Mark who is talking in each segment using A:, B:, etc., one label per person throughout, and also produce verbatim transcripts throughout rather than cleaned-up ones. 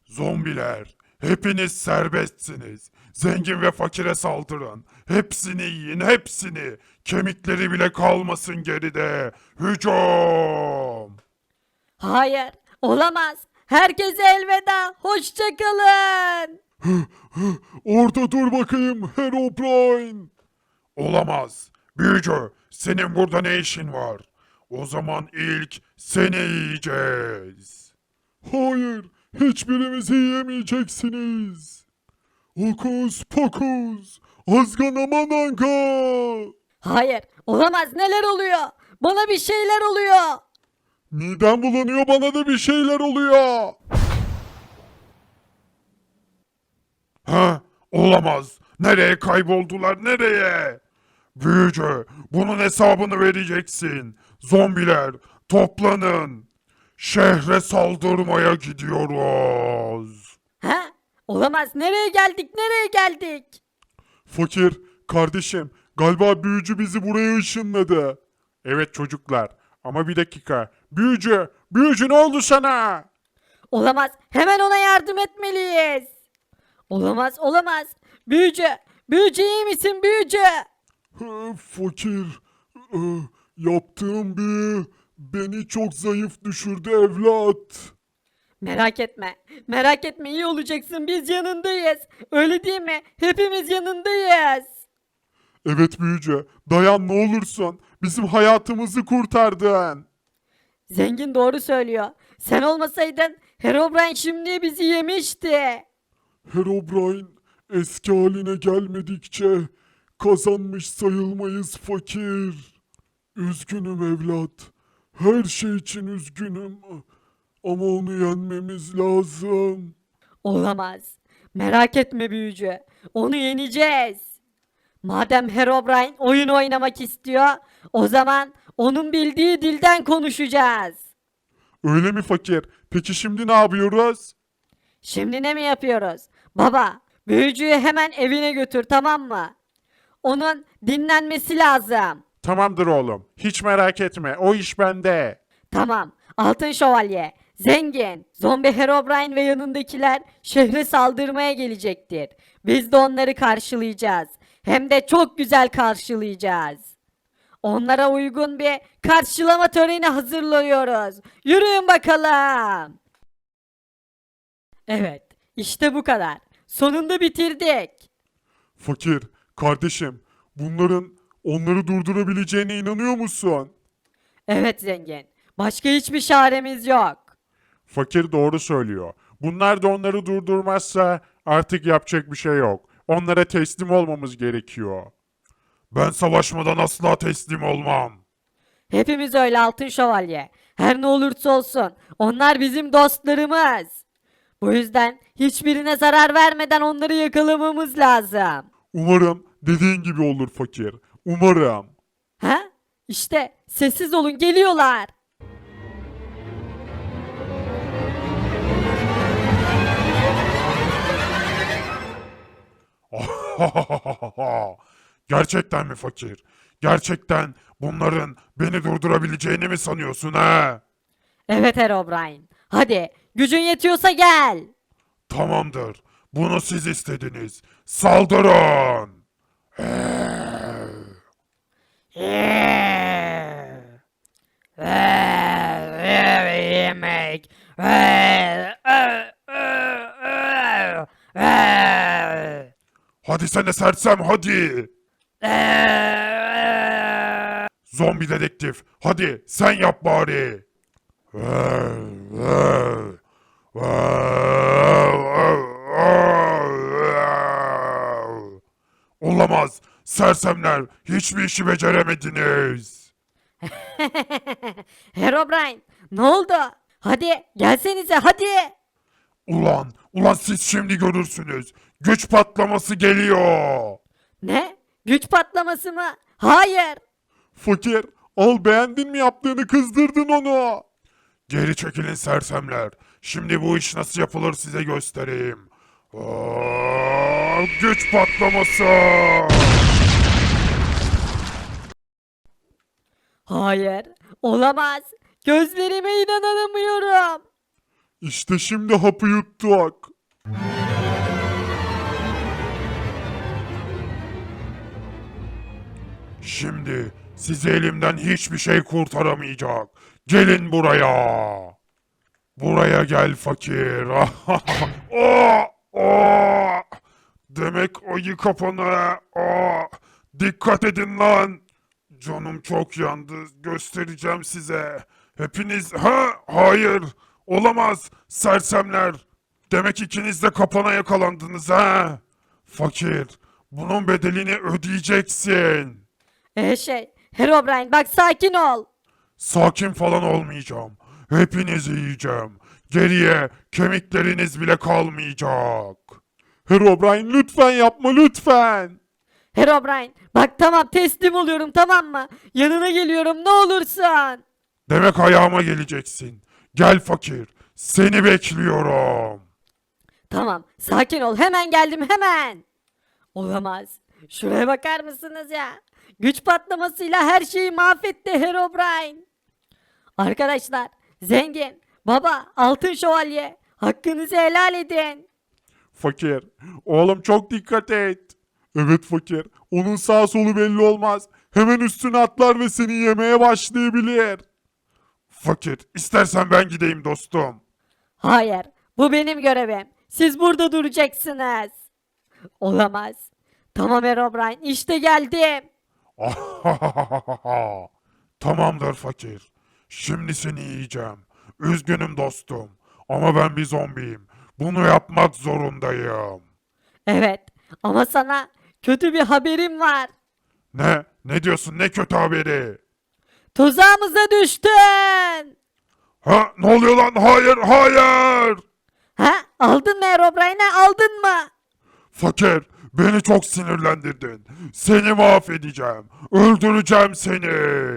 A: Zombiler, hepiniz serbestsiniz. Zengin ve fakire saldırın. Hepsini yiyin, hepsini. Kemikleri bile kalmasın geride. Hücum!
B: Hayır, olamaz. Herkese elveda. Hoşça kalın.
A: Orada dur bakayım Herobrine. Olamaz. Büyücü, senin burada ne işin var? O zaman ilk seni yiyeceğiz. Hayır, hiçbirimizi yiyemeyeceksiniz. Hokus pokus, azganamananga.
B: Hayır, olamaz. Neler oluyor? Bana bir şeyler oluyor.
A: Midem bulanıyor, bana da bir şeyler oluyor. Ha, olamaz. Nereye kayboldular, nereye? Büyücü, bunun hesabını vereceksin. Zombiler, toplanın. Şehre saldırmaya gidiyoruz.
B: Ha? Olamaz. Nereye geldik? Nereye geldik?
A: Fakir, kardeşim, galiba büyücü bizi buraya ışınladı. Evet çocuklar, ama bir dakika. Büyücü, büyücü ne oldu sana?
B: Olamaz. Hemen ona yardım etmeliyiz. Olamaz, olamaz. Büyücü, büyücü iyi misin büyücü?
A: Fakir, e, yaptığım bir beni çok zayıf düşürdü evlat.
B: Merak etme. Merak etme iyi olacaksın. Biz yanındayız. Öyle değil mi? Hepimiz yanındayız.
A: Evet büyücü, dayan ne olursun. Bizim hayatımızı kurtardın.
B: Zengin doğru söylüyor. Sen olmasaydın Herobrine şimdi bizi yemişti.
A: Herobrine eski haline gelmedikçe kazanmış sayılmayız fakir. Üzgünüm evlat. Her şey için üzgünüm. Ama onu yenmemiz lazım.
B: Olamaz. Merak etme büyücü. Onu yeneceğiz. Madem Herobrine oyun oynamak istiyor, o zaman onun bildiği dilden konuşacağız.
A: Öyle mi fakir? Peki şimdi ne yapıyoruz?
B: Şimdi ne mi yapıyoruz? Baba, büyücüyü hemen evine götür tamam mı? Onun dinlenmesi lazım.
A: Tamamdır oğlum. Hiç merak etme. O iş bende.
B: Tamam. Altın Şövalye, Zengin, Zombi Herobrine ve yanındakiler şehre saldırmaya gelecektir. Biz de onları karşılayacağız. Hem de çok güzel karşılayacağız. Onlara uygun bir karşılama töreni hazırlıyoruz. Yürüyün bakalım. Evet, işte bu kadar. Sonunda bitirdik.
A: Fakir, kardeşim, bunların onları durdurabileceğine inanıyor musun?
B: Evet zengin. Başka hiçbir çaremiz yok.
A: Fakir doğru söylüyor. Bunlar da onları durdurmazsa artık yapacak bir şey yok. Onlara teslim olmamız gerekiyor. Ben savaşmadan asla teslim olmam.
B: Hepimiz öyle Altın Şövalye. Her ne olursa olsun onlar bizim dostlarımız. Bu yüzden hiçbirine zarar vermeden onları yakalamamız lazım.
A: Umarım dediğin gibi olur fakir. Umarım.
B: Ha? İşte sessiz olun geliyorlar.
A: Gerçekten mi fakir? Gerçekten bunların beni durdurabileceğini mi sanıyorsun ha?
B: Evet Herobrine. Hadi gücün yetiyorsa gel.
A: Tamamdır. Bunu siz istediniz. Saldırın.
B: Yemek.
A: Hadi sen de sersem hadi. Zombi dedektif. Hadi sen yap bari. Olamaz. Sersemler hiçbir işi beceremediniz.
B: Herobrine ne oldu? Hadi gelsenize hadi.
A: Ulan, ulan siz şimdi görürsünüz. Güç patlaması geliyor.
B: Ne? Güç patlaması mı? Hayır.
A: Fakir, al beğendin mi yaptığını, kızdırdın onu. Geri çekilin sersemler. Şimdi bu iş nasıl yapılır size göstereyim. Aa, güç patlaması.
B: Hayır. Olamaz. Gözlerime inanamıyorum.
A: İşte şimdi hapı yuttuk. Şimdi sizi elimden hiçbir şey kurtaramayacak. Gelin buraya. Buraya gel fakir. Oh, oh. Demek ayı kapanı. Oh. Dikkat edin lan. Canım çok yandı. Göstereceğim size. Hepiniz... Ha? Hayır. Olamaz. Sersemler. Demek ikiniz de kapana yakalandınız ha? Fakir. Bunun bedelini ödeyeceksin.
B: Ee şey, Herobrine bak sakin ol.
A: Sakin falan olmayacağım. Hepinizi yiyeceğim. Geriye kemikleriniz bile kalmayacak. Herobrine lütfen yapma lütfen.
B: Herobrine bak tamam teslim oluyorum tamam mı? Yanına geliyorum ne olursun.
A: Demek ayağıma geleceksin. Gel fakir. Seni bekliyorum.
B: Tamam sakin ol hemen geldim hemen. Olamaz. Şuraya bakar mısınız ya? Güç patlamasıyla her şeyi mahvetti Herobrine. Arkadaşlar, zengin, baba, altın şövalye, hakkınızı helal edin.
A: Fakir. Oğlum çok dikkat et. Evet fakir. Onun sağ solu belli olmaz. Hemen üstüne atlar ve seni yemeye başlayabilir. Fakir. İstersen ben gideyim dostum.
B: Hayır, bu benim görevim. Siz burada duracaksınız. Olamaz. Tamam Herobrine, işte geldim.
A: Tamamdır fakir. Şimdi seni yiyeceğim. Üzgünüm dostum. Ama ben bir zombiyim. Bunu yapmak zorundayım.
B: Evet, ama sana kötü bir haberim var.
A: Ne? Ne diyorsun? Ne kötü haberi?
B: Tuzağımıza düştün.
A: Ha? Ne oluyor lan? Hayır, hayır.
B: Ha? Aldın mı Herobrine'i? Aldın mı?
A: Fakir, beni çok sinirlendirdin. Seni mahvedeceğim. Öldüreceğim seni.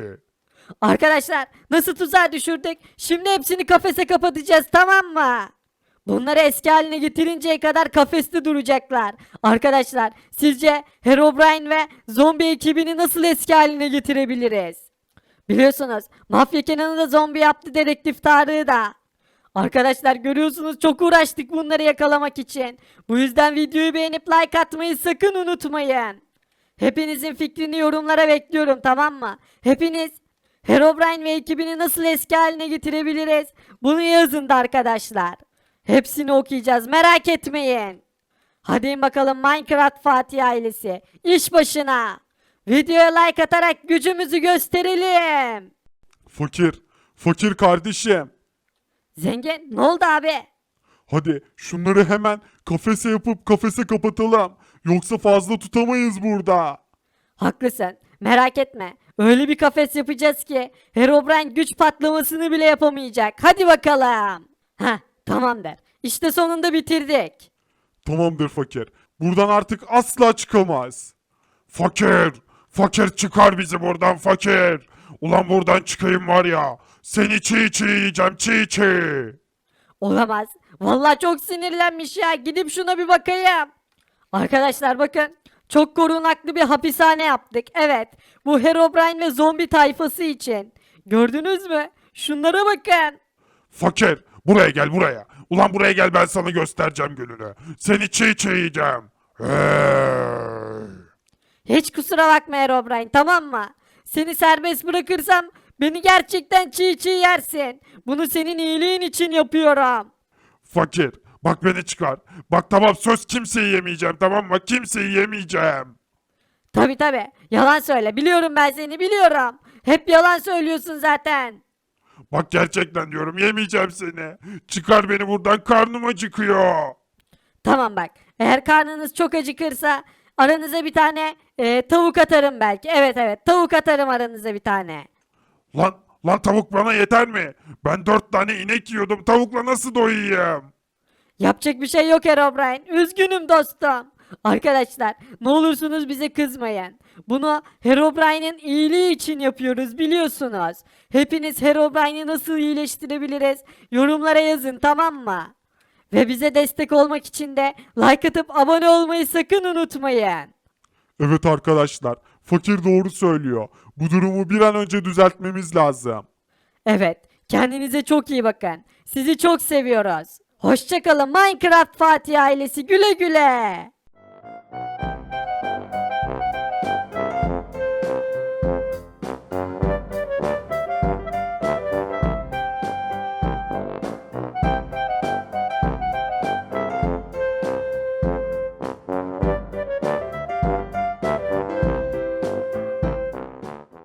B: Arkadaşlar nasıl tuzağa düşürdük? Şimdi hepsini kafese kapatacağız tamam mı? Bunları eski haline getirinceye kadar kafeste duracaklar. Arkadaşlar sizce Herobrine ve zombi ekibini nasıl eski haline getirebiliriz? Biliyorsunuz Mafya Kenan'ı da zombi yaptı dedektif Tarık'ı da. Arkadaşlar görüyorsunuz çok uğraştık bunları yakalamak için. Bu yüzden videoyu beğenip like atmayı sakın unutmayın. Hepinizin fikrini yorumlara bekliyorum tamam mı? Hepiniz Herobrine ve ekibini nasıl eski haline getirebiliriz? Bunu yazın da arkadaşlar. Hepsini okuyacağız merak etmeyin. Hadi bakalım Minecraft Fatih ailesi. İş başına. Videoya like atarak gücümüzü gösterelim.
A: Fakir, fakir kardeşim.
B: Zengin ne oldu abi?
A: Hadi şunları hemen kafese yapıp kafese kapatalım. Yoksa fazla tutamayız burada.
B: Haklısın. Merak etme. Öyle bir kafes yapacağız ki Herobrine güç patlamasını bile yapamayacak. Hadi bakalım. Heh, tamamdır. İşte sonunda bitirdik.
A: Tamamdır fakir. Buradan artık asla çıkamaz. Fakir, fakir çıkar bizi buradan fakir. Ulan buradan çıkayım var ya. Seni çiğ çiğ yiyeceğim çiğ çiğ.
B: Olamaz. Vallahi çok sinirlenmiş ya. Gidip şuna bir bakayım. Arkadaşlar bakın. Çok korunaklı bir hapishane yaptık. Evet. Bu Herobrine ve zombi tayfası için. Gördünüz mü? Şunlara bakın.
A: Fakir, buraya gel buraya. Ulan buraya gel ben sana göstereceğim gününü. Seni çiğ çiğ yiyeceğim. Hey.
B: Hiç kusura bakma Herobrine tamam mı? Seni serbest bırakırsam beni gerçekten çiğ çiğ yersin. Bunu senin iyiliğin için yapıyorum.
A: Fakir, bak beni çıkar. Bak tamam söz kimseyi yemeyeceğim tamam mı? Kimseyi yemeyeceğim.
B: Tabi tabi yalan söyle biliyorum ben seni biliyorum. Hep yalan söylüyorsun zaten.
A: Bak gerçekten diyorum yemeyeceğim seni. Çıkar beni buradan karnım acıkıyor.
B: Tamam bak eğer karnınız çok acıkırsa aranıza bir tane e, tavuk atarım belki. Evet evet tavuk atarım aranıza bir tane.
A: Lan, lan tavuk bana yeter mi? Ben dört tane inek yiyordum tavukla nasıl doyayım?
B: Yapacak bir şey yok Herobrine. Üzgünüm dostum. Arkadaşlar ne olursunuz bize kızmayın. Bunu Herobrine'in iyiliği için yapıyoruz biliyorsunuz. Hepiniz Herobrine'i nasıl iyileştirebiliriz yorumlara yazın tamam mı? Ve bize destek olmak için de like atıp abone olmayı sakın unutmayın.
A: Evet arkadaşlar, fakir doğru söylüyor. Bu durumu bir an önce düzeltmemiz lazım.
B: Evet kendinize çok iyi bakın. Sizi çok seviyoruz. Hoşçakalın Minecraft Fatih ailesi, güle güle.